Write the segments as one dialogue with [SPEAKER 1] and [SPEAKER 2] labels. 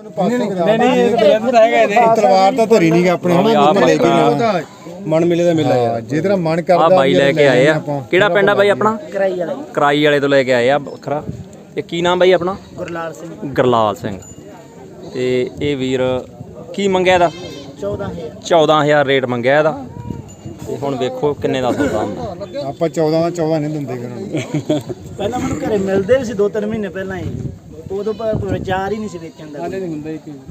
[SPEAKER 1] ਤਲਵਾਰ ਤਾਂ ਧਰੀ ਨਹੀਂ ਆਪਣੇ ਮਨ ਮਿਲੇ ਦਾ ਮੇਲਾ ਯਾਰ ਜੇ ਤੇਰਾ ਮਨ ਕਰਦਾ
[SPEAKER 2] ਆ ਬਾਈ ਲੈ ਕੇ ਆਏ ਆ। ਕਿਹੜਾ ਪਿੰਡ ਆ ਬਾਈ ਆਪਣਾ? ਕਰਾਈ ਵਾਲੇ ਤੋਂ ਲੈ ਕੇ ਆਏ ਆ ਵੱਖਰਾ। ਇਹ ਕੀ ਨਾਮ ਬਾਈ ਆਪਣਾ?
[SPEAKER 3] ਗੁਰਲਾਲ ਸਿੰਘ।
[SPEAKER 2] ਗੁਰਲਾਲ ਸਿੰਘ। ਤੇ ਇਹ ਵੀਰ ਕੀ ਮੰਗਿਆ ਇਹਦਾ? 14,000 ਰੇਟ ਮੰਗਿਆ ਇਹਦਾ। ਤੇ ਹੁਣ ਵੇਖੋ ਕਿੰਨੇ ਦਾ ਸੌਦਾ ਹੁੰਦਾ।
[SPEAKER 1] ਆਪਾਂ 14 ਦਾ 14 ਨਹੀਂ ਦਿੰਦੇ ਫਿਰ
[SPEAKER 3] ਪਹਿਲਾਂ ਮੈਨੂੰ ਘਰੇ ਮਿਲਦੇ ਸੀ 2-3 ਮਹੀਨੇ ਪਹਿਲਾਂ ਹੀ, ਉਦੋਂ ਪਰ ਵਿਚਾਰ ਹੀ ਨਹੀਂ ਸੀ ਵੇਚਣ ਦਾ।
[SPEAKER 1] ਹਾਲੇ ਨਹੀਂ ਹੁੰਦਾ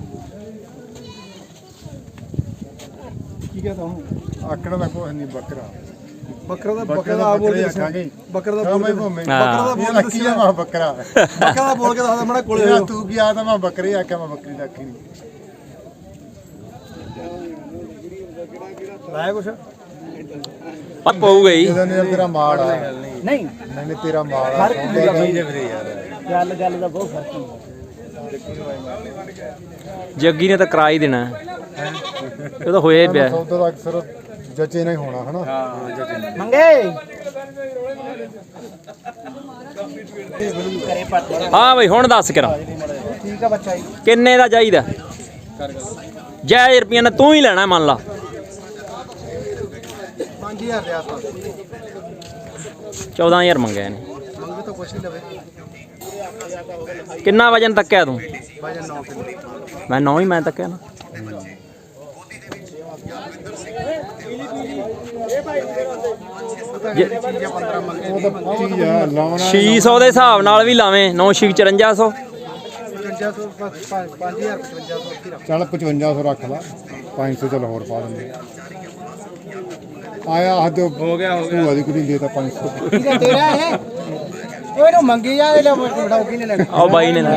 [SPEAKER 1] ਕੀ ਕਹਤਾ ਹੁਣ ਆਕੜਾ ਦਾ ਕੋਈ ਨਹੀਂ ਬੱਕਰਾ ਬੱਕਰਾ ਆ ਬੋਲ ਕੇ ਬੱਕਰਾ ਦਾ ਬੋਲ ਕੀ ਆ ਮੈਂ ਬੱਕਰਾ ਦਾ ਬੋਲ ਕੇ ਦੱਸਦਾ ਮੈਂ ਕੋਲੇ ਤੂੰ ਕੀ ਆ ਤਾਂ ਮੈਂ ਬੱਕਰੀ ਆਖਿਆ ਮੈਂ ਬੱਕਰੀ ਦਾ ਆਖੀ ਨਹੀਂ ਲਾਇਆ ਕੁਛ
[SPEAKER 2] ਆ ਪਊਗਾ ਹੀ
[SPEAKER 1] ਜਦੋਂ ਤੇਰਾ ਮਾਲ ਆ
[SPEAKER 3] ਨਹੀਂ
[SPEAKER 1] ਨਹੀਂ ਤੇਰਾ ਮਾਲ ਆ ਚੀਜ਼ ਹੈ ਵੀਰੇ ਯਾਰ
[SPEAKER 3] ਗੱਲ ਦਾ ਬਹੁਤ ਫਰਕ ਹੁੰਦਾ।
[SPEAKER 2] ਜੱਗੀ ਨੇ ਤਾਂ ਕਰਾ ਹੀ ਦੇਣਾ ਇਹ ਤਾਂ ਹੋਇਆ ਹੀ ਪਿਆ।
[SPEAKER 1] ਸੌਦਾ ਦਾ ਅਕਸਰ ਜੱਜੇ ਨਹੀਂ ਹੋਣਾ ਹਨਾ। ਹਾਂ ਜੱਜੇ
[SPEAKER 3] ਮੰਗੇ ਕਰੇ ਪੱਟ।
[SPEAKER 2] ਹਾਂ ਬਈ ਹੁਣ ਦੱਸ ਕਰਾਂ
[SPEAKER 3] ਠੀਕ ਆ ਬੱਚਾ ਜੀ।
[SPEAKER 2] ਕਿੰਨੇ ਦਾ ਚਾਹੀਦਾ? ਜੈ ਰੁਪਈਆ ਨੇ ਤੂੰ ਹੀ ਲੈਣਾ ਮੰਨ ਲਾ।
[SPEAKER 1] 5000 ਦੇ ਆਸ-ਪਾਸ
[SPEAKER 2] 14,000 ਮੰਗਿਆ ਇਹਨੇ।
[SPEAKER 1] ਮੰਗੇ ਤਾਂ ਕੁਛ ਨਹੀਂ ਲਵੇ।
[SPEAKER 2] ਕਿੰਨਾ ਵਜਨ ਤੱਕਿਆ ਤੂੰ?
[SPEAKER 1] ਵਜਨ 9 ਕਿਲੋ।
[SPEAKER 2] ਮੈਂ 9 ਹੀ ਮੈਂ ਤੱਕਿਆ ਨਾ।
[SPEAKER 1] ਚੀਜ਼ ਆ 15 ਮੰਗੇ ਉਹ ਤਾਂ ਚੀਜ਼ ਆ ਲਾਉਣਾ
[SPEAKER 2] 600 ਦੇ ਹਿਸਾਬ ਨਾਲ ਵੀ ਲਾਵੇਂ 9 6 5400
[SPEAKER 1] ਚੱਲ 5500 ਰੱਖ ਲਾ 500 ਚੱਲ ਹੋਰ ਪਾ ਦਿੰਦੇ ਆਇਆ ਹੱਦ ਹੋ ਗਿਆ ਭੂਆ ਦੀ ਕੁੜੀ ਦੇ ਤਾਂ 500
[SPEAKER 3] ਠੀਕ ਹੈ ਤੇਰਾ ਇਹ ਉਹ ਇਹਨੂੰ ਮੰਗੀ ਜਾ ਲੈ ਬਿਠਾਓ ਕਿਨੇ ਲੈਣਾ।
[SPEAKER 2] ਆਓ ਬਾਈ ਨੇ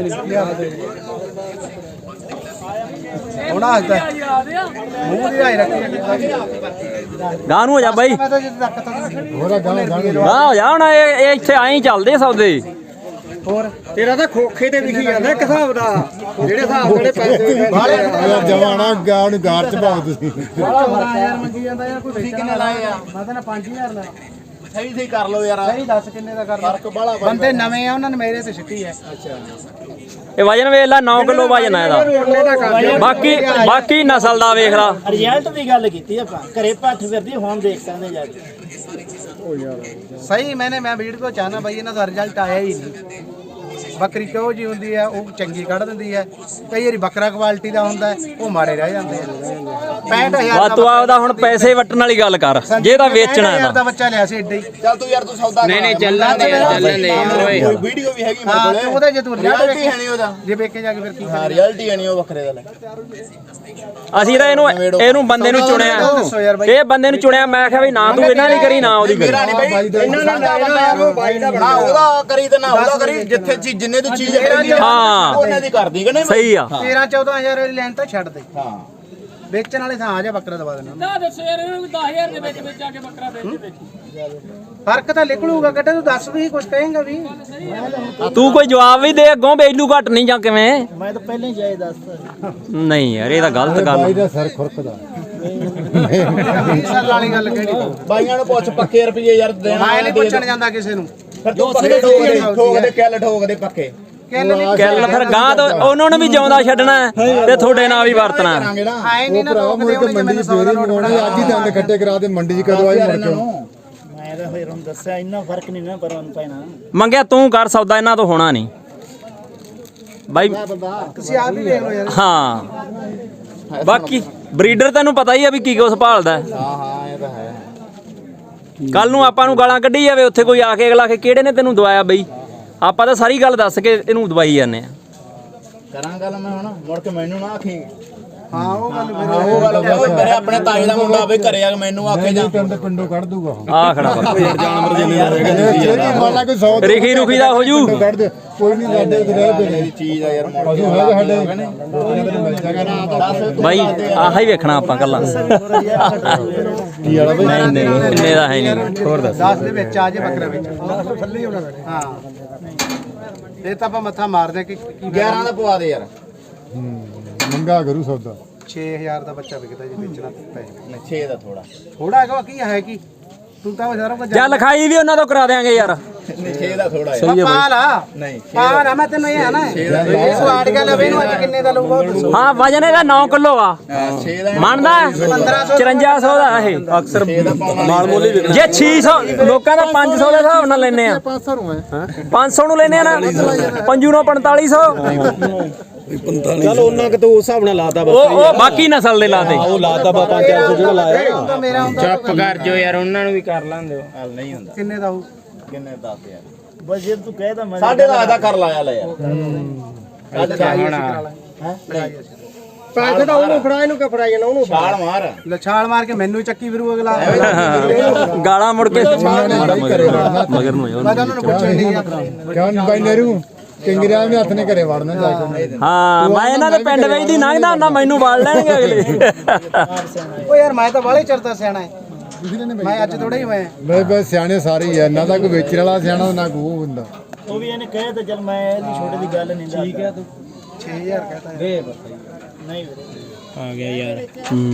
[SPEAKER 3] ਹੁਣ ਆਜਦਾ ਮੂੰਹ ਦੀ ਆਈ ਰੱਖੀ
[SPEAKER 2] ਗਾਂ ਨੂੰ ਹੋ ਜਾ ਬਾਈ।
[SPEAKER 3] ਮੈਂ ਤਾਂ ਜਿੱਦ ਤੱਕ ਤਾਂ
[SPEAKER 1] ਹੋਰਾ ਗਾਂ
[SPEAKER 2] ਗਾਂ ਹੋ ਜਾ ਹੁਣ ਇਹ ਇੱਥੇ ਆਏ ਚੱਲਦੇ ਸੌਦੇ।
[SPEAKER 3] ਹੋਰ ਤੇਰਾ ਤਾਂ ਖੋਖੇ ਤੇ ਵਿਖੀ ਜਾਂਦਾ ਇੱਕ ਹਿਸਾਬ ਦਾ ਜਿਹੜੇ ਹਿਸਾਬ ਜਿਹੜੇ ਪੈਸੇ
[SPEAKER 1] ਯਾਰ ਜਵਾਨਾ ਗਾਂ ਨੂੰ ਗਾਰ ਚ ਪਾਓ ਤੁਸੀਂ
[SPEAKER 3] 14000 ਮੰਗੀ ਜਾਂਦਾ ਯਾਰ ਕੋਈ ਤੁਸੀਂ ਕਿੰਨੇ ਲਾਏ ਆ? ਮੈਂ ਤਾਂ 5000 ਲਾ ਸਹੀ ਕਰ ਲਓ ਯਾਰ। ਸਹੀ ਦੱਸ ਕਿੰਨੇ ਦਾ ਕਰਨਾ ਫਰਕ ਬਾਲਾ ਬੰਦੇ ਨਵੇਂ ਆ ਉਹਨਾਂ ਨੇ ਮੇਰੇ ਤੇ ਛਿੱਟੀ ਹੈ। ਅੱਛਾ
[SPEAKER 2] ਇਹ ਵਜਨ ਵੇਖ ਲੈ 9 ਕਿਲੋ ਵਜਨ ਆ ਇਹਦਾ। ਬਾਕੀ ਨਸਲ ਦਾ ਵੇਖ ਲਾ।
[SPEAKER 3] ਰਿਜ਼ਲਟ ਦੀ ਗੱਲ ਕੀਤੀ ਆਪਾਂ ਘਰੇ ਪੱਠ ਫਿਰਦੀ ਹੁਣ ਦੇਖ ਸਕਦੇ ਜਾ ਕੇ। ਸਹੀ ਮੈਂ ਵੀਡੀਓ ਚਾਹਨਾ ਬਾਈ ਇਹਨਾਂ ਦਾ ਰਿਜ਼ਲਟ ਆਇਆ ਹੀ ਨਹੀਂ। ਬੱਕਰੀ ਕਿਉਂ ਜੀ ਹੁੰਦੀ ਹੈ ਉਹ ਚੰਗੀ ਕੱਢ ਦਿੰਦੀ ਹੈ। ਕਈ ਵਾਰੀ ਬੱਕਰਾ ਕੁਆਲਿਟੀ ਦਾ ਹੁੰਦਾ ਉਹ ਮਾਰੇ ਰਹਿ ਜਾਂਦੇ ਆ। 65000
[SPEAKER 2] ਤੂੰ ਆਪਦਾ ਹੁਣ ਪੈਸੇ ਵਟਣ ਵਾਲੀ ਗੱਲ ਕਰ ਜੇ ਤਾਂ ਵੇਚਣਾ ਹੈ
[SPEAKER 3] ਦਾ ਬੱਚਾ ਲਿਆ ਸੀ ਏਡਾ ਹੀ।
[SPEAKER 4] ਚੱਲ ਤੂੰ ਯਾਰ ਤੂੰ ਸੌਦਾ
[SPEAKER 3] ਨਹੀਂ ਚੱਲਣ ਦੇ
[SPEAKER 4] ਓਏ ਵੀਡੀਓ ਵੀ ਹੈਗੀ ਮੇਰੇ ਕੋਲੇ।
[SPEAKER 3] ਉਹਦੇ ਜੇ ਤੂੰ
[SPEAKER 4] ਰਿਐਲਿਟੀ ਹੈ ਨਹੀਂ ਉਹਦਾ।
[SPEAKER 3] ਜੇ ਵੇਖੇ ਜਾ ਕੇ ਫਿਰ ਕੀ
[SPEAKER 4] ਹਾਂ ਰਿਐਲਿਟੀ ਹੈ ਨਹੀਂ ਉਹ ਵੱਖਰੇ ਦਾ ਲੈ।
[SPEAKER 2] ਅਸੀਂ ਤਾਂ ਇਹਨੂੰ ਬੰਦੇ ਨੂੰ ਚੁਣਿਆ। ਇਹ ਬੰਦੇ ਨੂੰ ਚੁਣਿਆ ਮੈਂ ਕਿਹਾ ਵੀ ਨਾ ਤੂੰ ਇਹਨਾਂ ਦੀ ਕਰੀ ਨਾ ਉਹਦੀ ਕਰੀ।
[SPEAKER 4] ਇਹਨਾਂ ਨੇ ਨਾ ਉਹਦਾ ਕਰੀ ਤੇ ਨਾ ਉਹਦਾ ਕਰੀ ਜਿੱਥੇ ਜਿੰਨੇ ਦੀ ਚੀਜ਼ ਹੈ
[SPEAKER 2] ਹਾਂ
[SPEAKER 4] ਉਹਨੇ ਦੀ ਕਰਦੀ ਕਿ ਨਹੀਂ।
[SPEAKER 2] ਸਹੀ ਆ।
[SPEAKER 3] 13-14 ਵਾਲੀ ਲੈਣ ਤਾਂ ਛੱਡ ਦੇ। ਹਾਂ ਵੇਚਣ ਵਾਲੇ ਥਾਂ ਆ ਜਾ ਬੱਕਰਾ ਦਵਾ ਦੇਣਾ। ਨਾ ਦੱਸੋ ਯਾਰ ਇਹਨੂੰ 10000 ਦੇ ਵਿੱਚ ਆ ਕੇ ਬੱਕਰਾ ਵੇਚ ਫਰਕ ਤਾਂ ਨਿਕਲੂਗਾ ਕੱਟੇ ਤੂੰ ਦੱਸ ਵੀ ਕੁਝ ਕਹੇਂਗਾ ਵੀ।
[SPEAKER 2] ਤੂੰ ਕੋਈ ਜਵਾਬ ਵੀ ਦੇ ਅੱਗੋਂ ਬੇਲੂ ਘਟ ਨਹੀਂ ਜਾਂ ਕਿਵੇਂ?
[SPEAKER 3] ਮੈਂ ਤਾਂ ਪਹਿਲਾਂ ਹੀ ਜਾਏ ਦੱਸਦਾ।
[SPEAKER 2] ਨਹੀਂ ਯਾਰ ਇਹ ਤਾਂ ਗਲਤ ਗੱਲ
[SPEAKER 1] ਬਾਈ ਦਾ ਸਿਰ ਖੁਰਕਦਾ
[SPEAKER 3] ਸਰ ਵਾਲੀ ਗੱਲ ਕਿਹੜੀ
[SPEAKER 4] ਬਾਈਆਂ ਨੂੰ ਪੁੱਛ ਪੱਕੇ ਰੁਪਏ ਯਾਰ ਦੇਣਾ।
[SPEAKER 3] ਮੈਂ ਨਹੀਂ ਪੁੱਛਣ ਜਾਂਦਾ ਕਿਸੇ ਨੂੰ।
[SPEAKER 4] ਫਿਰ ਤੂੰ ਪੱਕੇ ਠੋਕਦੇ ਕਿੱਲ ਠੋਕਦੇ ਪੱਕੇ
[SPEAKER 2] ਗੱਲ ਫਿਰ ਗਾਂ ਤੋਂ ਉਹਨਾਂ ਨੂੰ ਵੀ ਜਿਉਂਦਾ ਛੱਡਣਾ ਤੇ ਤੁਹਾਡੇ ਨਾਲ ਵੀ ਵਰਤਣਾ।
[SPEAKER 3] ਆਏ ਨਹੀਂ ਨਾ ਰੋਕਦੇ ਉਹਨੇ
[SPEAKER 1] ਮੰਡੀ ਸਵੇਰੇ ਮੰਗਾਉਣੀ ਅੱਜ ਹੀ ਦੰਦ ਖੱਟੇ ਕਰਾ ਦੇ ਮੰਡੀ ਚ ਕਦੋਂ ਆਈ ਮੁੜ ਕੇ।
[SPEAKER 3] ਮੈਂ ਤਾਂ ਫਿਰ ਹੁਣ ਦੱਸਿਆ ਇੰਨਾ ਫਰਕ ਨਹੀਂ ਨਾ ਪਰ ਉਹਨੂੰ ਪੈਣਾ।
[SPEAKER 2] ਮੰਗਿਆ ਤੂੰ ਕਰ ਸੌਦਾ ਇਹਨਾਂ ਤੋਂ ਹੋਣਾ ਨਹੀਂ ਬਾਈ।
[SPEAKER 3] ਤੁਸੀਂ ਆਪ ਹੀ ਵੇਖ ਲਓ ਯਾਰ।
[SPEAKER 2] ਹਾਂ ਬਾਕੀ ਬਰੀਡਰ ਤੈਨੂੰ ਪਤਾ ਹੀ ਆ ਵੀ ਕੀ ਕੁਛ ਭਾਲਦਾ।
[SPEAKER 4] ਹਾਂ ਇਹ ਤਾਂ ਹੈ।
[SPEAKER 2] ਕੱਲ ਨੂੰ ਆਪਾਂ ਨੂੰ ਗਾਲਾਂ ਕੱਢੀ ਜਾਵੇ ਉੱਥੇ ਕੋਈ ਆ ਕੇ ਅਗਲਾ ਕੇ ਕਿਹੜੇ ਨੇ ਤੈਨੂੰ ਦਵਾਇਆ ਬਈ। ਆਪਾਂ ਤਾਂ ਸਾਰੀ ਗੱਲ ਦੱਸ ਕੇ ਇਹਨੂੰ ਦਵਾਈ ਜਾਂਦੇ ਆ।
[SPEAKER 4] ਕਰਾਂ ਗੱਲ ਮੈਂ ਹੁਣ ਮੁੜ ਕੇ ਮੈਨੂੰ ਨਾ ਆਖੀ।
[SPEAKER 3] ਹਾਂ ਉਹ ਗੱਲ ਫਿਰ
[SPEAKER 4] ਉਹ ਗੱਲ ਮੇਰੇ ਆਪਣੇ ਤਾਏ ਦਾ ਮੁੰਡਾ ਵੀ ਘਰੇ ਆ ਕੇ ਮੈਨੂੰ ਆਖੇ ਜਾ
[SPEAKER 1] ਪਿੰਡੋਂ ਕੱਢ ਦੂਗਾ
[SPEAKER 2] ਆ ਖੜਾ
[SPEAKER 1] ਜਾਨਵਰ ਜਿੰਨੇ ਮੰਨ ਲਾ ਕੋਈ 100
[SPEAKER 2] ਰਿਖੀ ਰੁਖੀ ਦਾ ਹੋ ਜੂ।
[SPEAKER 1] ਕੱਢ ਦੇ ਕੋਈ ਨਹੀਂ ਸਾਡੇ ਤੇ ਰਹਿ ਪਏ
[SPEAKER 4] ਚੀਜ਼ ਆ ਯਾਰ
[SPEAKER 1] ਪਸ਼ੂ ਹੈਗੇ ਸਾਡੇ
[SPEAKER 2] ਬਾਈ ਆਹ ਹੀ ਵੇਖਣਾ ਆਪਾਂ ਕੱਲਾ।
[SPEAKER 1] ਕੀ ਵਾਲਾ ਬਈ
[SPEAKER 2] ਨਹੀਂ ਨਹੀਂ ਇੰਨੇ ਦਾ ਹੈ ਨਹੀਂ। ਹੋਰ ਦੱਸ
[SPEAKER 3] 10 ਦੇ ਵਿੱਚ ਆ ਜੇ ਬੱਕਰਾ ਵਿੱਚ ਥੱਲੇ ਹੀ ਹੋਣਾ ਹਾਂ ਇਹ ਤਾਂ ਆਪਾਂ ਮੱਥਾ ਮਾਰਦੇ ਕਿ
[SPEAKER 4] 11 ਦਾ ਪਵਾ ਦੇ ਯਾਰ।
[SPEAKER 1] ਮੰਗਾ ਕਰੂ ਸੌਦਾ
[SPEAKER 3] 6000 ਦਾ ਬੱਚਾ ਵਿਕਦਾ ਜੇ ਵੇਚਣਾ ਪੈ
[SPEAKER 4] 6 ਦਾ ਥੋੜਾ
[SPEAKER 3] ਥੋੜਾ ਹੈਗਾ ਕੀ ਹੈ ਕੀ ਤੂੰ ਤਾਂ ਸਾਰਾ ਕੁਝ
[SPEAKER 2] ਜਾਂ ਲਿਖਾਈ ਵੀ ਉਹਨਾਂ ਤੋਂ ਕਰਾ ਦਿਆਂਗੇ ਯਾਰ।
[SPEAKER 4] ਨਹੀਂ 6 ਦਾ ਥੋੜਾ
[SPEAKER 2] ਸਹੀ ਹੈ
[SPEAKER 3] ਪਾਲ ਆ
[SPEAKER 4] ਨਹੀਂ
[SPEAKER 3] ਪਾਲ ਆ ਮੈਂ ਤੈਨੂੰ ਇਹ ਆ ਨਾ ਇਹ ਸਵਾੜ ਕੇ ਲਵੇ ਨੂੰ ਅੱਜ ਕਿੰਨੇ ਦਾ ਲਊਗਾ ਉਹ ਦੱਸੋ।
[SPEAKER 2] ਹਾਂ ਵਜਨ ਇਹਦਾ 9 ਕਿਲੋ ਆ
[SPEAKER 4] 6 ਦਾ
[SPEAKER 2] ਮੰਨਦਾ 5400 ਦਾ ਇਹ
[SPEAKER 1] ਅਕਸਰ ਮਾਲ ਮੋਲੀ ਵਿਕਦਾ
[SPEAKER 2] ਜੇ 600 ਲੋਕਾਂ ਦਾ 500 ਦੇ ਹਿਸਾਬ ਨਾਲ ਲੈਨੇ ਆ
[SPEAKER 1] 500 ਨੂੰ ਹੈ
[SPEAKER 2] 500 ਨੂੰ ਲੈਨੇ ਆ ਨਾ ਪੰਜੂ ਨੂੰ 4500
[SPEAKER 5] ਚਲ ਉਹਨਾਂ ਕਿ ਤੂੰ ਉਸ ਹਿਸਾਬ ਨਾਲ ਲਾਤਾ
[SPEAKER 2] ਉਹ ਬਾਕੀ ਨਸਲ ਦੇ ਲਾਤੇ
[SPEAKER 5] ਉਹ ਲਾਤਾ ਬਾ 500 ਜਿਹੜਾ ਲਾਇਆ
[SPEAKER 3] ਹੁਣ ਤਾਂ ਮੇਰਾ ਹੁੰਦਾ
[SPEAKER 6] ਚੁੱਪ ਕਰ ਜੋ ਯਾਰ ਉਹਨਾਂ ਨੂੰ ਵੀ ਕਰ ਲਾਂਦੇ ਹੋ
[SPEAKER 4] ਹਾਲ ਨਹੀਂ ਹੁੰਦਾ
[SPEAKER 3] ਕਿੰਨੇ ਦਾ ਹੋਊ
[SPEAKER 4] ਕਿੰਨੇ 10 ਯਾਰ
[SPEAKER 6] ਬਸ ਜੇ ਤੂੰ ਕਹਿਦਾ ਮੈਂ
[SPEAKER 4] ਸਾਡੇ ਦਾ ਆਦਾ ਕਰ ਲਾਇਆ ਲੈ ਯਾਰ
[SPEAKER 3] ਪੈਸੇ ਤਾਂ ਉਹਨੂੰ ਫੜਾ ਇਹਨੂੰ ਕਿ ਫੜਾਈ ਜਾਣਾ ਉਹਨੂੰ
[SPEAKER 4] ਛਾਲ ਮਾਰ
[SPEAKER 3] ਲਛਾਲ ਮਾਰ ਕੇ ਮੈਨੂੰ ਹੀ ਚੱਕੀ ਫਿਰੂ ਅਗਲਾ
[SPEAKER 2] ਗਾਲਾਂ ਮੁੜ ਕੇ ਮਗਰ ਨੂੰ
[SPEAKER 3] ਮੈਂ ਤਾਂ ਉਹਨਾਂ ਨੂੰ ਪੁੱਛਿਆ ਨਹੀਂ
[SPEAKER 1] ਕਿਉਂ ਬਾਈ ਨਰੂ ਕਿੰਗਰਿਆ ਵੀ ਹੱਥ ਨੇ ਘਰੇ ਵੜਨਾ ਜਾ ਕੇ
[SPEAKER 2] ਹਾਂ ਮੈਂ ਇਹਨਾਂ ਦੇ ਪਿੰਡ ਵਿੱਚ ਦੀ ਲੰਘਦਾ ਹੁੰਦਾ ਮੈਨੂੰ ਵੜ ਲੈਣਗੇ ਅਗਲੇ
[SPEAKER 3] ਓ ਯਾਰ ਮੈਂ ਤਾਂ ਬਾਲੇ ਚਰਤਾ ਸਿਆਣਾ ਹੈ ਮੈਂ ਅੱਜ ਥੋੜਾ ਹੀ ਹੋਇਆ
[SPEAKER 1] ਬਸ ਸਿਆਣੇ ਸਾਰੇ ਹੀ ਆ ਨਾ ਤਾਂ ਕੋਈ ਵੇਚਣ ਵਾਲਾ ਸਿਆਣਾ ਨਾ ਕੋਈ ਹੁੰਦਾ
[SPEAKER 6] ਉਹ ਵੀ ਇਹਨੇ ਕਹੇ ਤਾਂ ਚਲ ਮੈਂ ਇਹਦੀ ਛੋਟੇ ਦੀ ਗੱਲ ਨਹੀਂ ਦੱਸਦਾ ਠੀਕ ਹੈ ਤੂੰ
[SPEAKER 3] 6000 ਕਹਤਾ ਹੈ
[SPEAKER 6] ਨਹੀਂ ਵੀਰੇ ਆ ਗਿਆ ਯਾਰ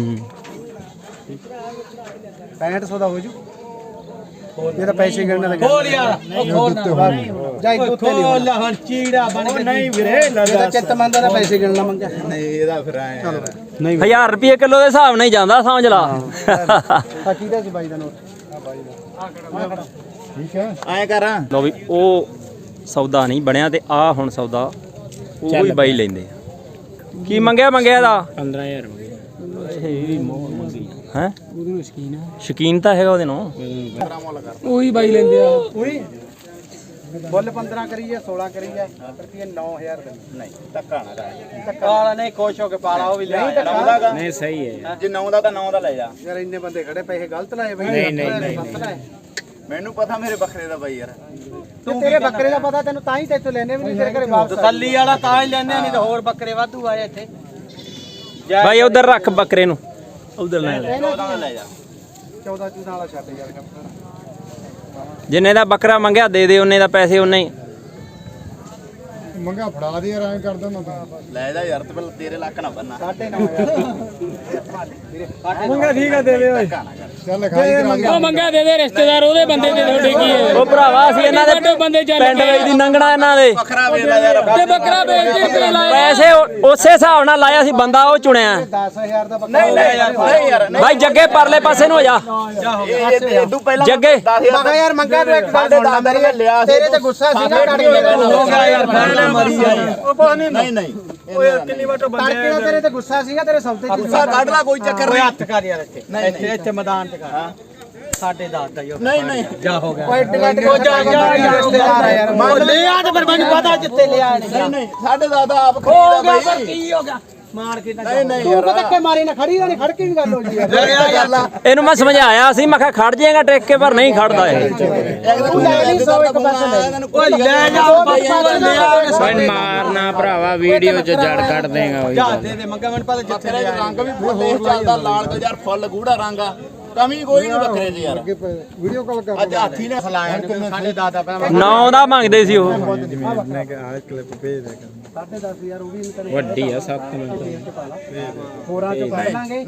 [SPEAKER 3] 6500 ਦਾ ਹੋ ਜੂ ਇਹ ਤਾਂ ਪੈਸੇ ਗਿਣਨ ਲੱਗਾ
[SPEAKER 6] ਖੋਲ ਯਾਰ ਉਹ ਖੋਲ ਨਾ
[SPEAKER 3] ਜਾ ਇੱਕ ਉੱਤੇ ਨਹੀਂ
[SPEAKER 6] ਖੋਲ ਹਣ ਚੀੜਾ ਬਣ ਕੇ ਨਹੀਂ ਵੀਰੇ
[SPEAKER 3] ਇਹਦਾ ਚਿੱਤ ਮੰਨਦਾ ਤਾਂ ਪੈਸੇ ਗਿਣਨਾ ਮੰਗਿਆ
[SPEAKER 4] ਨਹੀਂ ਇਹਦਾ ਫਿਰ ਆਏ
[SPEAKER 2] 1000 ਰੁਪਏ ਕਿਲੋ ਦੇ ਹਿਸਾਬ ਨਾਲ ਹੀ ਜਾਂਦਾ ਸਮਝ ਲਾ
[SPEAKER 3] ਆ ਕਿਹਦਾ ਸੀ ਬਾਈ ਦਾ ਨੋਟ ਆ ਬਾਈ ਦਾ
[SPEAKER 1] ਠੀਕ ਹੈ
[SPEAKER 4] ਐ ਕਰਾਂ
[SPEAKER 2] ਲੋ ਵੀ ਉਹ ਸੌਦਾ ਨਹੀਂ ਬਣਿਆ ਤੇ ਆ ਹੁਣ ਸੌਦਾ ਉਹ ਵੀ ਬਾਈ ਲੈਂਦੇ ਆ ਕੀ ਮੰਗਿਆ ਇਹਦਾ
[SPEAKER 6] 15000
[SPEAKER 2] ਹੈ ਉਹਦੇ ਨੂੰ ਸ਼ਕੀਨ ਤਾਂ ਹੈਗਾ ਉਹਦੇ ਨੂੰ
[SPEAKER 6] ਉਹੀ ਬਾਈ ਲੈਂਦੇ ਆ
[SPEAKER 3] ਉਹੀ ਬੁੱਲ 15 ਕਰੀਏ 16 ਕਰੀਏ ਰੁਪਏ 9000 ਦੇ
[SPEAKER 4] ਨਹੀਂ ਧੱਕਾ ਨਾ ਕਰ
[SPEAKER 6] ਕਾਲਾ ਨਹੀਂ ਖੁਸ਼ ਹੋ ਕੇ ਪਾਲਾ ਉਹ ਵੀ ਲੈ
[SPEAKER 4] ਨੌਂ
[SPEAKER 6] ਨਹੀਂ ਸਹੀ ਹੈ
[SPEAKER 4] ਜੇ 9 ਦਾ ਤਾਂ 9 ਦਾ ਲੈ ਜਾ
[SPEAKER 3] ਯਾਰ ਇੰਨੇ ਬੰਦੇ ਖੜੇ ਪੈਸੇ ਗਲਤ ਲਾਏ ਬਈ
[SPEAKER 6] ਨਹੀਂ।
[SPEAKER 4] ਮੈਨੂੰ ਪਤਾ ਮੇਰੇ ਬੱਕਰੇ ਦਾ ਬਾਈ ਯਾਰ
[SPEAKER 3] ਤੂੰ ਤੇਰੇ ਬੱਕਰੇ ਦਾ ਪਤਾ ਤੈਨੂੰ ਤਾਂ ਹੀ ਤੇਤੋਂ ਲੈਣੇ ਵੀ ਨਹੀਂ ਤੇਰੇ ਘਰੇ ਵਾਪਸ
[SPEAKER 6] ਤਸੱਲੀ ਵਾਲਾ ਤਾਂ ਹੀ ਲੈਂਦੇ ਨਹੀਂ ਤਾਂ ਹੋਰ ਬੱਕਰੇ ਵਾਧੂ ਆਏ ਇੱਥੇ
[SPEAKER 2] ਬਾਈ ਉਧਰ ਰੱਖ ਬੱਕਰੇ ਨੂੰ ਉਧਰ ਲੈ
[SPEAKER 4] 14 ਦਾ ਲੈ ਜਾ
[SPEAKER 3] 14 ਚੂਨਾ ਵਾਲਾ ਛੱਡ ਯਾਰ
[SPEAKER 2] ਜਿੰਨੇ ਦਾ ਬੱਕਰਾ ਮੰਗਿਆ ਦੇ ਉਹਨੇ ਦਾ ਪੈਸੇ ਉਹਨੇ ਹੀ
[SPEAKER 1] ਮੰਗਾ ਫੜਾ ਦੇ ਯਾਰ ਐਂ ਕਰਦਾ ਨਾ ਤਾਂ
[SPEAKER 4] ਲੈ ਜਾ ਯਾਰ ਤੇ ਪਹਿਲਾਂ ਤੇਰੇ ਲੱਕ ਨਾ ਬੰਨਾ
[SPEAKER 3] 9.5
[SPEAKER 6] ਮੰਗਾ ਠੀਕ ਆ ਦੇ ਦੇ ਓਏ
[SPEAKER 4] ਧੱਕਾ ਨਾ ਕਰ
[SPEAKER 1] ਚੱਲ ਖਾਈ ਕਰਾ ਦੇ
[SPEAKER 6] ਉਹ ਮੰਗਾ ਦੇ ਦੇ ਰਿਸ਼ਤੇਦਾਰ ਉਹਦੇ ਬੰਦੇ ਤੇ ਤੁਹਾਡੇ ਕੀ ਹੈ
[SPEAKER 2] ਉਹ ਭਰਾਵਾ ਅਸੀਂ ਇਹਨਾਂ ਦੇ
[SPEAKER 6] ਬੰਦੇ ਚੱਲ
[SPEAKER 2] ਪਿੰਡ ਵਿੱਚ ਦੀ ਲੰਘਣਾ ਇਹਨਾਂ ਦੇ
[SPEAKER 4] ਬੱਕਰਾ ਵੇਚ ਲੈ ਯਾਰ
[SPEAKER 6] ਤੇ ਬੱਕਰਾ ਵੇਚ ਕੇ ਰੁਪਏ ਲਾਏ
[SPEAKER 2] ਪੈਸੇ ਉਸੇ ਹਿਸਾਬ ਨਾਲ ਲਾਇਆ ਸੀ ਬੰਦਾ ਉਹ ਚੁਣਿਆ
[SPEAKER 3] 10000 ਦਾ ਬੱਕਰਾ
[SPEAKER 4] ਨਹੀਂ ਯਾਰ
[SPEAKER 2] ਬਾਈ ਜੱਗੇ ਪਰਲੇ ਪਾਸੇ ਨੂੰ ਹੋ ਜਾ
[SPEAKER 4] ਇਹ ਇਦੋਂ ਪਹਿਲਾਂ
[SPEAKER 2] ਜੱਗੇ
[SPEAKER 4] 10000
[SPEAKER 3] ਮਗਾ ਯਾਰ ਮੰਗਾ ਤੂੰ ਇੱਕ ਗੱਲ ਸੁਣ ਲੈ ਮੇਰੀ
[SPEAKER 4] ਲਿਆ ਸੀ
[SPEAKER 3] ਤੇਰੇ ਤੇ ਗੁੱਸਾ ਸੀਗਾ ਕੱਢ ਕੇ
[SPEAKER 6] ਹੋ ਗਿਆ ਯਾਰ ਫੈਨ ਮਰੀ ਜਾਏ
[SPEAKER 4] ਨਹੀਂ ਨਹੀਂ
[SPEAKER 6] ਓਏ ਕਿੰਨੀ ਵਾਰ ਤੋਂ
[SPEAKER 3] ਤੜਕੇ ਦਾ ਤੇਰੇ ਤੇ ਗੁੱਸਾ ਸੀਗਾ ਤੇਰੇ ਸੌਦੇ ਚ
[SPEAKER 4] ਗੁੱਸਾ ਕੱਢ ਲਾ ਕੋਈ ਚੱਕਰ
[SPEAKER 6] ਓਏ
[SPEAKER 4] ਨਹੀਂ
[SPEAKER 6] ਹੱਥ ਕਰ ਯਾਰ ਇੱਥੇ ਇੱਥੇ ਮੈਦਾਨ 'ਚ ਕਰ ਸਾਡੇ ਦੱਸ ਦਾ ਯਾਰ
[SPEAKER 4] ਨਹੀਂ ਨਹੀਂ
[SPEAKER 6] ਜਾ ਹੋ ਗਿਆ
[SPEAKER 3] ਓਏ ਡਿਗਟ ਕੋ ਜਾ ਰਿਸ਼ਤੇਦਾਰ ਆ ਯਾਰ
[SPEAKER 6] ਉਹ ਲੈ ਆ ਤੇ ਫਿਰ ਮੈਨੂੰ ਪਤਾ ਜਿੱਥੇ ਲਿਆ ਨਹੀਂ
[SPEAKER 4] ਨਹੀਂ ਸਾਡੇ ਦਾਦਾ ਆਪ
[SPEAKER 6] ਹੋ
[SPEAKER 4] ਖਰੀਦਾ
[SPEAKER 6] ਗਿਆ ਪਰ
[SPEAKER 4] ਬਾਈ
[SPEAKER 6] ਕੀ ਹੋ ਗਿਆ ਮਾਰ ਕੇ
[SPEAKER 4] ਨਹੀਂ ਨਹੀਂ
[SPEAKER 3] ਤੂੰ ਪਤਾ ਕਿ ਮਾਰੀ ਨਾ ਖੜੀ ਨਾ ਖੜ ਕੇ ਵੀ ਗੱਲ ਹੋ ਜੀ ਯਾਰ
[SPEAKER 2] ਇਹਨੂੰ ਮੈਂ ਸਮਝਾਇਆ ਸੀ ਮੈਂ ਕਿਹਾ ਖੜ ਜਾਏਗਾ ਟਿਕ ਕੇ ਪਰ ਨਹੀਂ ਖੜਦਾ ਇਹ
[SPEAKER 3] ਤੂੰ ਲੈ ਲਈ 100 ਇੱਕ ਪਾਸੇ ਲੈ
[SPEAKER 6] ਓਏ ਲੈ ਜਾ ਓਏ ਮਾਰਨਾ ਭਰਾਵਾ ਵੀਡੀਓ 'ਚ ਜੜ ਕੱਢ ਦੇਗਾ ਓਏ
[SPEAKER 3] ਜਾ ਦੇ ਮੰਗਾ ਮੈਨੂੰ ਪਤਾ ਜਿੱਥੇ
[SPEAKER 4] ਬੱਕਰੇ ਦਾ ਰੰਗ ਵੀ ਫੁੱਲ ਦੇਖ ਚੱਲਦਾ ਲਾਲ ਕੋ ਯਾਰ ਫੁੱਲ ਗੂੜਾ ਰੰਗ ਆ ਕਮੀ ਕੋਈ ਨਹੀਂ ਬੱਕਰੇ 'ਚ ਯਾਰ
[SPEAKER 1] ਵੀਡੀਓ ਕਾਲ ਕਰ
[SPEAKER 4] ਅੱਜ ਹਾਥੀ ਨੇ ਫਲਾਇਆ
[SPEAKER 3] ਸਾਡੇ ਦਾਦਾ ਪਹਿਲਾਂ
[SPEAKER 2] 9 ਦਾ ਮੰਗਦੇ ਸੀ ਉਹ
[SPEAKER 3] ਸਾਡੇ 10 ਯਾਰ ਉਹ ਵੀ ਤੈਨੂੰ
[SPEAKER 6] ਵੱਡੀ ਆ 7 ਮਿੰਟ
[SPEAKER 3] ਹੋਰਾਂ ਚ ਪੜ ਲਾਂਗੇ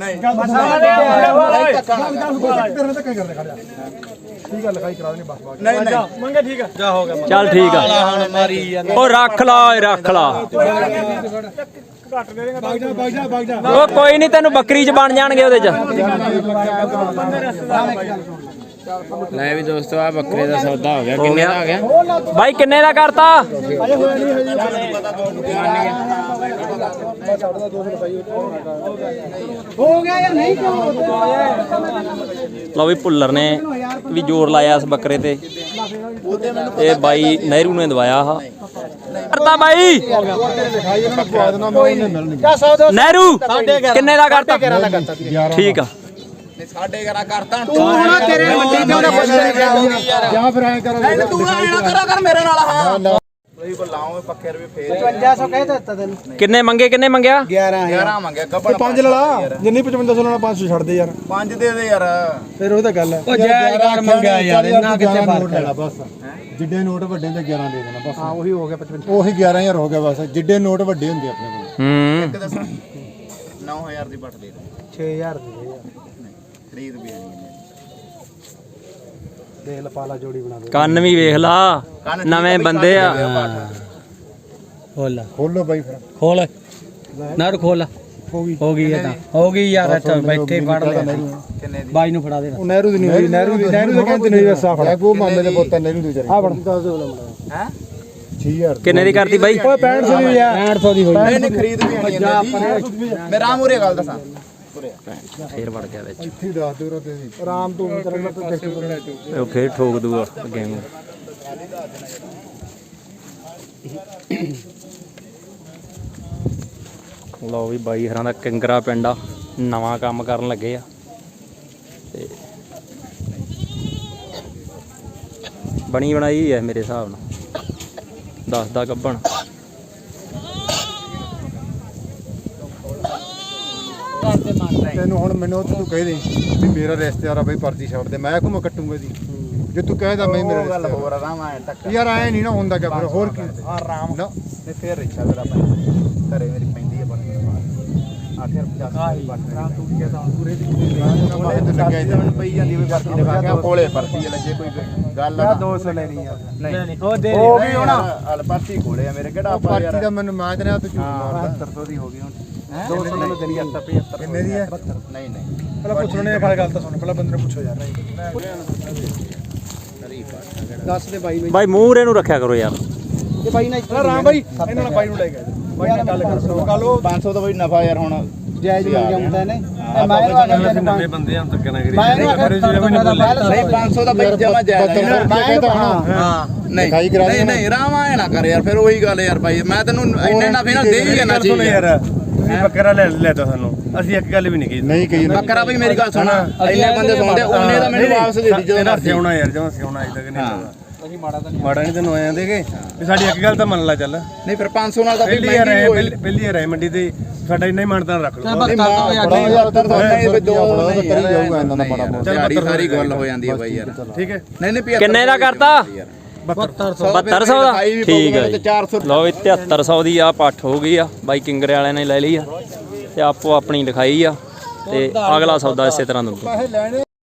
[SPEAKER 1] ਠੀਕ ਆ ਲਿਖਾਈ ਕਰਾ ਦੇਣੀ ਬਸ ਬਾਅਦ
[SPEAKER 4] ਨਹੀਂ ਨਹੀਂ
[SPEAKER 6] ਮੰਗੇ ਠੀਕ ਆ ਜਾ ਹੋ ਗਿਆ
[SPEAKER 2] ਚੱਲ ਠੀਕ ਆ
[SPEAKER 6] ਹੁਣ ਮਾਰੀ ਜਾਂਦਾ
[SPEAKER 2] ਉਹ ਰੱਖ ਲਾ ਓਏ ਰੱਖ ਲਾ ਉਹ ਕੋਈ ਨਹੀਂ ਤੈਨੂੰ ਬੱਕਰੀ ਚ ਬਣ ਜਾਣਗੇ ਉਹਦੇ ਚ
[SPEAKER 6] ਲੈ ਵੀ ਦੋਸਤੋ ਆ ਬੱਕਰੇ ਦਾ ਸੌਦਾ ਹੋ ਗਿਆ ਕਿੰਨੇ ਦਾ ਹੋ ਗਿਆ
[SPEAKER 2] ਬਾਈ ਕਿੰਨੇ ਦਾ ਕਰਤਾ
[SPEAKER 3] ਹੋ ਗਿਆ ਯਾਰ ਨਹੀਂ ਕਿਉਂ
[SPEAKER 2] ਲਓ ਵੀ ਭੁੱਲਰ ਨੇ ਵੀ ਜ਼ੋਰ ਲਾਇਆ ਇਸ ਬੱਕਰੇ ਤੇ ਇਹ ਬਾਈ ਨਹਿਰੂ ਨੇ ਦਵਾਇਆ ਆ ਕਰਤਾ ਬਾਈ
[SPEAKER 1] ਲਿਖਾਈ ਇਹਨਾਂ ਨੂੰ ਪਵਾ ਦੇਣਾ ਮੈਂ ਉਹਨੇ ਮਿਲਣੀ
[SPEAKER 3] ਜਾ 100 ਦੋ
[SPEAKER 2] ਨਹਿਰੂ ਕਿੰਨੇ ਦਾ ਕਰਤਾ ਠੀਕ ਆ
[SPEAKER 4] ਸਾਡੇ ਘਰਾਂ ਕਰਤਾ
[SPEAKER 3] ਤੂੰ ਹੁਣ ਤੇਰੇ ਮੰਡੀ ਤੇ ਉਹਨੇ ਪੁੱਛ ਲਿਆ
[SPEAKER 1] ਜਾਂ ਫਿਰ ਐਂ ਕਰੋ
[SPEAKER 4] ਨਹੀਂ ਤੂੰ ਐ ਨਾ ਕਰਾ ਕਰ ਮੇਰੇ ਨਾਲ ਹਾਂ ਤੁਸੀਂ ਕੋ ਲਾਓ ਪੱਕੇ ਰੁਪਏ ਫੇਰ
[SPEAKER 3] 5500 ਕਹਿ ਦਿੱਤਾ ਤੈਨੂੰ
[SPEAKER 2] ਕਿੰਨੇ ਮੰਗਿਆ
[SPEAKER 3] 11000
[SPEAKER 4] 11 ਮੰਗਿਆ ਗੱਬੜ
[SPEAKER 1] 5 ਲੜਾ ਜਿੰਨੀ 5500 ਲੈਣਾ 500 ਛੱਡ ਦੇ ਯਾਰ
[SPEAKER 4] 5 ਦੇ ਦੇ ਯਾਰ
[SPEAKER 1] ਫਿਰ ਉਹ ਤਾਂ ਗੱਲ ਹੈ
[SPEAKER 6] ਉਹ ਜਾਇਜ਼ ਕਰ ਮੰਗਿਆ ਯਾਰ ਇੰਨਾ ਕਿੱਥੇ ਫਰਕ
[SPEAKER 1] ਲੈਣਾ ਬਸ ਜਿੱਡੇ ਨੋਟ ਵੱਡੇ ਤੇ 11 ਦੇ ਦੇਣਾ ਬਸ
[SPEAKER 3] ਹਾਂ ਉਹੀ ਹੋ ਗਿਆ 55
[SPEAKER 1] ਉਹੀ 11000 ਹੋ ਗਿਆ ਬਸ ਜਿੱਡੇ ਨੋਟ ਵੱਡੇ ਹੁੰਦੇ ਆਪਣੇ ਕੋਲ
[SPEAKER 2] ਹੂੰ
[SPEAKER 4] ਇੱਕ ਦੱਸਾਂ 9000 ਦੀ ਬੱਟ ਦੇ ਦੇ
[SPEAKER 3] 6000 ਦੇ ਯਾਰ
[SPEAKER 4] ਖਰੀਦ ਵੀ ਨਹੀਂ
[SPEAKER 3] ਦੇਖ ਲਾ ਪਾਲਾ ਜੋੜੀ ਬਣਾ ਦੇ
[SPEAKER 2] ਕੰਨ ਵੀ ਵੇਖ ਲਾ ਨਵੇਂ ਬੰਦੇ ਆ
[SPEAKER 5] ਖੋਲ
[SPEAKER 1] ਖੋਲੋ ਬਾਈ ਫਿਰ
[SPEAKER 5] ਖੋਲ ਨਾਰ ਖੋਲ ਹੋ ਗਈ ਇਹ ਤਾਂ ਹੋ ਗਈ ਯਾਰ ਇੱਥੇ ਬੈਠੇ ਫੜ ਲੈ ਬਾਈ ਨੂੰ ਫੜਾ ਦੇ
[SPEAKER 1] ਉਹ ਨਹਿਰੂ ਦੀ ਨਹੀਂ ਹੋਈ ਨਹਿਰੂ ਦੀ ਕਹਿੰਦੇ ਨਹੀਂ ਵਸਾ ਫੜਾ ਕੋ ਮਾਮੇ ਦੇ ਪੁੱਤ ਨਹਿਰੂ ਦੀ ਵਿਚਾਰੀ ਆ ਫੜ ਦੱਸ ਦੇ ਬਲਾ ਹੈ 6000
[SPEAKER 2] ਕਿੰਨੇ ਦੀ ਕਰਤੀ ਬਾਈ?
[SPEAKER 1] ਓਏ 6500 ਦੀ ਆ
[SPEAKER 5] 6500 ਦੀ ਹੋਈ
[SPEAKER 4] ਨਹੀਂ ਖਰੀਦ ਵੀ ਆਣੀ ਜਾਂਦੀ ਮੈਂ ਰਾਮ ਉਰੇ ਗੱਲ ਦੱਸਾਂ
[SPEAKER 2] ਫੇਰ ਵੜ ਗਿਆ ਵਿੱਚ
[SPEAKER 1] ਇੱਥੇ ਦੱਸ ਦੇ ਰੋ ਤੇ ਆਰਾਮ ਤੋਂ ਤਰ੍ਹਾਂ ਤੋਂ ਟੈਕਸਟ ਕਰਨਾ
[SPEAKER 2] ਉਹ ਫੇਰ ਠੋਕ ਦੂਗਾ ਅੱਗੇ ਨੂੰ ਲਓ ਵੀ ਬਾਈ ਹਰਾਂ ਦਾ ਕਿੰਗਰਾ ਪਿੰਡ ਆ ਨਵਾਂ ਕੰਮ ਕਰਨ ਲੱਗੇ ਆ ਤੇ ਬਣੀ ਬਣਾਈ ਹੈ ਮੇਰੇ ਹਿਸਾਬ ਨਾਲ 10 ਦਾ ਗੱਭਣ
[SPEAKER 1] ਤੈਨੂੰ ਹੁਣ ਮੈਨੂੰ ਤੂੰ ਕਹਿ ਦੇ ਵੀ ਮੇਰਾ ਰਿਸ਼ਤੇਦਾਰ ਆ ਬਈ ਪਰਚੀ ਛੱਡ ਦੇ ਮੈਂ ਕਿਉਂ ਕੱਟੂਗਾ ਦੀ ਜੇ ਤੂੰ ਕਹਿਦਾ ਮੈਂ ਮੇਰਾ
[SPEAKER 4] ਗੱਲ
[SPEAKER 1] ਰਿਸ਼ਤੇਦਾਰ
[SPEAKER 4] ਹੋਰ ਆਰਾਮ ਆਇਆ ਟੱਕ
[SPEAKER 1] ਯਾਰ ਆਏ ਨਹੀਂ ਨਾ ਹੁੰਦਾ ਕਿ ਫਿਰ ਹੋਰ ਕੀ
[SPEAKER 4] ਆਰਾਮ
[SPEAKER 1] ਨਾ
[SPEAKER 4] ਤੇ ਫੇਰ ਰਿਕਸ਼ਾ ਮੇਰਾ ਭਾਈ ਘਰੇ ਮੇਰੀ ਪੈਂਦੀ ਹੈ ਬਣ ਆਖਿਰ 50 ਬਣ ਰਾਮ ਤੂੰ ਕੀ ਤਾਂ ਪੂਰੇ ਦੀ
[SPEAKER 1] ਤੇ ਲੱਗਿਆ ਜੀ
[SPEAKER 4] ਮੈਨੂੰ ਪਈ ਜਾਂਦੀ ਵੀ ਪਰਚੀ ਦਿਖਾ ਕੇ ਕੋਲੇ ਪਰਚੀ ਲੱਗੇ ਕੋਈ ਗੱਲ ਆ
[SPEAKER 1] 200 ਲੈਣੀ ਯਾਰ
[SPEAKER 4] ਨਹੀਂ
[SPEAKER 3] ਉਹ ਦੇ
[SPEAKER 4] ਹੋ ਗਈ ਹੁਣ ਹਲ ਪਰਚੀ ਕੋਲੇ ਆ ਮੇਰੇ ਕਿਹੜਾ ਆਪਾਂ
[SPEAKER 1] ਪਰਚੀ ਦਾ ਮੈਨੂੰ ਮਾਜ ਰਿਹਾ ਤੂੰ ਝੂਠ ਮਾਰਦਾ
[SPEAKER 4] 7500 ਦੀ ਹੋ ਗਈ ਹੁਣ
[SPEAKER 1] 200 ਮੈਨੂੰ ਦੇਣੀ ਆ
[SPEAKER 4] 75
[SPEAKER 1] ਕਿੰਨੇ ਦੀ ਹੈ
[SPEAKER 4] ਨਹੀਂ ਨਹੀਂ
[SPEAKER 1] ਪਹਿਲਾਂ ਪੁੱਛਣੇ ਨੇ ਗੱਲ ਤਾਂ ਸੁਣ ਪਹਿਲਾਂ ਬੰਦੇ ਨੂੰ ਪੁੱਛੋ ਯਾਰ
[SPEAKER 3] ਦੱਸ ਦੇ ਬਾਈ ਨੂੰ
[SPEAKER 2] ਬਾਈ ਮੂਹਰੇ ਨੂੰ ਰੱਖਿਆ ਕਰੋ ਯਾਰ
[SPEAKER 3] ਇਹ ਬਾਈ ਨਾਲ
[SPEAKER 1] ਰਾਮ ਬਾਈ ਇਹਨਾਂ ਨਾਲ ਬਾਈ ਨੂੰ ਲੈ ਗਿਆ ਬਾਈ ਨਾਲ ਗੱਲ ਕਰ ਕੱਲ ਉਹ
[SPEAKER 4] 500 ਦਾ ਬਈ ਨਫਾ ਯਾਰ ਹੁਣ
[SPEAKER 3] ਜਾਇਜ਼ ਮਿਲ ਜਾਂਦਾ ਨੇ ਮੈਂ ਨਵੇਂ ਬੰਦੇ ਆ ਧੱਕਾ ਨਾ ਕਰੀ
[SPEAKER 4] ਨਹੀਂ 500 ਦਾ ਬਈ ਜਮਾ ਜਾਇਜ਼ ਹਾਂ ਨਹੀਂ ਨਹੀਂ ਰਾਮ ਆਏ ਨਾ ਕਰ ਯਾਰ ਫਿਰ ਉਹੀ ਗੱਲ ਯਾਰ ਭਾਈ ਮੈਂ ਤੈਨੂੰ ਇੰਨੇ ਨਫੇ ਨਾਲ ਦੇ ਹੀ ਜਾਣਾ ਚਾਹੀਦਾ
[SPEAKER 5] ਯਾਰ ਤੁਸੀਂ ਬੱਕਰਾ ਲੈ ਤਾ ਸਾਨੂੰ ਅਸੀਂ ਇੱਕ ਗੱਲ ਵੀ ਨਹੀਂ ਕਹੀ
[SPEAKER 1] ਨਹੀਂ ਕਹੀ
[SPEAKER 4] ਬੱਕਰਾ ਬਈ ਮੇਰੀ ਗੱਲ ਸੁਣ ਇੰਨੇ ਬੰਦੇ ਸੁਣਦੇ ਉਹਨੇ ਦਾ ਮੈਨੂੰ ਵਾਪਸ ਦੇ ਦੀ ਜਦੋਂ ਮਰਜ਼ੀ
[SPEAKER 5] ਸਿਆਉਣਾ ਯਾਰ ਜਮਾ ਸਿਆਉਣਾ ਅਜੇ ਤੱਕ ਨਹੀਂ ਲੱਗਾ ਅਸੀਂ ਮਾੜਾ ਨਹੀਂ ਤੈਨੂੰ ਆਇਆ ਦੇਗੇ ਵੀ ਸਾਡੀ ਇੱਕ ਗੱਲ ਤਾਂ ਮੰਨ ਲੈ ਚੱਲ
[SPEAKER 4] ਨਹੀਂ ਫਿਰ 500 ਨਾਲ ਤਾਂ
[SPEAKER 5] ਪਹਿਲੀ ਵਾਰ ਆਏ ਪਹਿਲੀ ਵਾਰ ਆਏ ਮੰਡੀ ਤੇ ਸਾਡਾ ਇੰਨਾ ਹੀ ਮਾਨਤਾ ਰੱਖ ਲਓ
[SPEAKER 1] ਬੜਾ ਯਾਰ ਤਾਂ ਨਹੀਂ ਦੋ ਕਰੀ ਜਾਊਗਾ ਇਹਨਾਂ ਦਾ ਬੜਾ
[SPEAKER 4] ਸਾਰੀ ਸਾਰੀ ਗੱਲ ਹੋ ਜਾਂਦੀ ਹੈ ਬਾਈ ਯਾਰ
[SPEAKER 5] ਠੀਕ ਹੈ
[SPEAKER 4] ਨਹੀਂ ਨਹੀਂ
[SPEAKER 2] ਕਿੰਨੇ ਦਾ ਕਰਤਾ 7200 ਦਾ ਠੀਕ ਹੈ
[SPEAKER 4] ਤੇ 400
[SPEAKER 2] ਲਓ ਵੀ 7300 ਦੀ ਆ ਪੱਠ ਹੋ ਗਈ ਆ ਬਾਈ ਕਿੰਗਰੇ ਵਾਲਿਆਂ ਨੇ ਲੈ ਲਈ ਆ ਤੇ ਆਪੋ ਆਪਣੀ ਲਿਖਾਈ ਆ ਤੇ ਅਗਲਾ ਸੌਦਾ ਇਸੇ ਤਰ੍ਹਾਂ ਦਊਗਾ